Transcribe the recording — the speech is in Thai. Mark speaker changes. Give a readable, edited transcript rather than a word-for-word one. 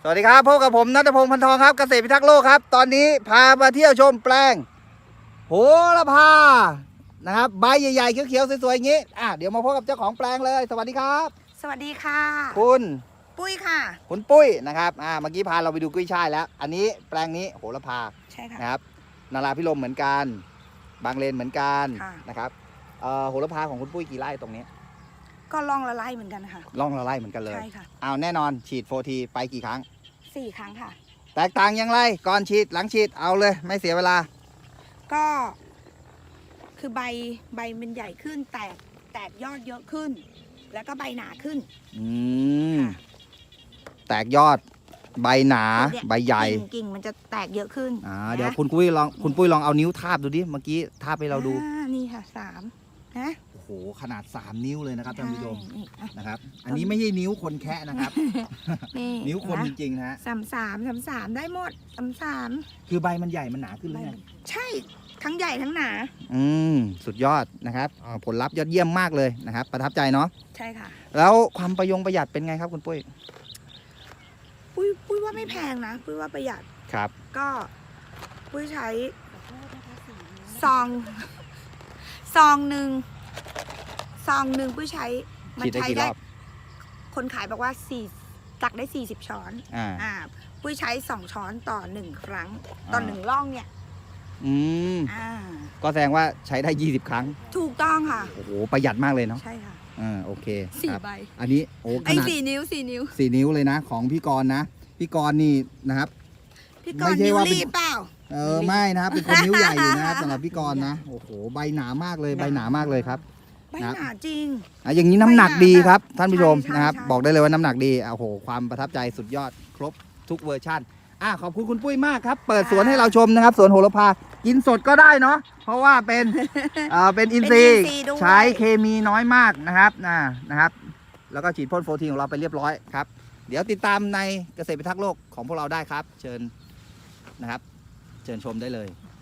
Speaker 1: สวัสดีครับพบกับผมณัฐพงศ์พันทองครับเกษตรพิทักษ์โลกครับตอนนี้พามาเที่ยวชมแปลงโหระพานะครับใบใหญ่ๆเขียวๆสวยๆอย่างนี้เดี๋ยวมาพบกับเจ้าของแปลงเลยสวัสดีครับ
Speaker 2: สวัสดีค่ะ
Speaker 1: คุณ
Speaker 2: ปุ้ยค่ะ
Speaker 1: คุณปุ้ยนะครับเมื่อกี้พาเราไปดูกุ้ยช่ายแล้วอันนี้แปลงนี้โหระพา
Speaker 2: ใช่ค่ะ
Speaker 1: นะครับนาราพิรมเหมือนกันบางเลนเหมือนกันนะครับโหระพาของคุณปุ้ยกี่ไร่ตรงนี้
Speaker 2: ก็ล่องละไล่เหมือนกันค่ะ
Speaker 1: ล่องละไร่เหมือนกันเลย
Speaker 2: ใช่ค่ะ
Speaker 1: แน่นอนฉีด4 ทีไปกี่ครั้ง
Speaker 2: 4 ครั้งค่ะ
Speaker 1: แตกต่างอย่างไรก่อนฉีดหลังฉีดเอาเลยไม่เสียเวลา
Speaker 2: ก็คือใบมันใหญ่ขึ้นแตกยอดเยอะขึ้น แล้วก็ใบหนาขึ้น
Speaker 1: แตกยอดใบหนาใบใหญ่
Speaker 2: กิ่งมันจะแตกเยอะขึ้น
Speaker 1: เดี๋ยวคุณปุ้ยลองเอานิ้วทาบดูดิเมื่อกี้ทาบให้เราดู
Speaker 2: นี่ค่ะ3นะ
Speaker 1: โอ้โหขนาด3 นิ้วเลยนะครับท่านผู้ชมนะครับอันนี้ไม่ใช่นิ้วคนแคะนะครับนิ้วคนจริงๆนะ
Speaker 2: 3ได้หมด3
Speaker 1: คือใบมันใหญ่มันหนาขึ้นเลย
Speaker 2: ใช่ทั้งใหญ่ทั้งหนา
Speaker 1: สุดยอดนะครับผลลัพธ์ยอดเยี่ยมมากเลยนะครับประทับใจเนาะ
Speaker 2: ใช่ค่ะ
Speaker 1: แล้วความประหยัดเป็นไงครับคุณปุ้ย
Speaker 2: ว่าไม่แพงนะปุ้ยว่าประหยัด
Speaker 1: ครับ
Speaker 2: ก็ปุ้ยใช้ซองหนึ่งปุ้ยใช้
Speaker 1: มันใช้ได้
Speaker 2: คนขายบอกว่าตักได้40 ช้อนปุ้ยใช้2 ช้อนต่อ1 ครั้งต่อ1ร่องเนี่ย
Speaker 1: ก็แสดงว่าใช้ได้20 ครั้ง
Speaker 2: ถูกต้องค่ะ
Speaker 1: โอ้โหประหยัดมากเลยเนาะ
Speaker 2: ใช่ค่ะ
Speaker 1: โอเค
Speaker 2: 4 ใบ
Speaker 1: อันนี้โอ้ขนาด
Speaker 2: 4 นิ้ว
Speaker 1: 4 นิ้วเลยนะของพี่กรณ์นะพี่กรณ์นี่นะครับ
Speaker 2: พี่กรณ์นิ้วรีบเปล่า
Speaker 1: ไม่นะครับเป็นคนนิ้วใหญ่อยู่นะครับสำหรับพี่กรณ์นะโอ้โหใบหนามากเลยใบหนามากเลยครับ
Speaker 2: ใบหนาจริง
Speaker 1: อย่างนี้น้ำหนักดีครับท่านผู้ชมนะครับบอกได้เลยว่าน้ำหนักดีโอ้โหความประทับใจสุดยอดครบทุกเวอร์ชั่นขอบคุณคุณปุ้ยมากครับเปิดสวนให้เราชมนะครับสวนโหระพากินสดก็ได้เนาะเพราะว่าเป็นอินทรีย์ใช้เคมีน้อยมากนะครับแล้วก็ฉีดพ่นโฟทีของเราไปเรียบร้อยครับเดี๋ยวติดตามในเกษตรพิทักษ์โลกของพวกเราได้ครับเชิญนะครับเชิญชมได้เลย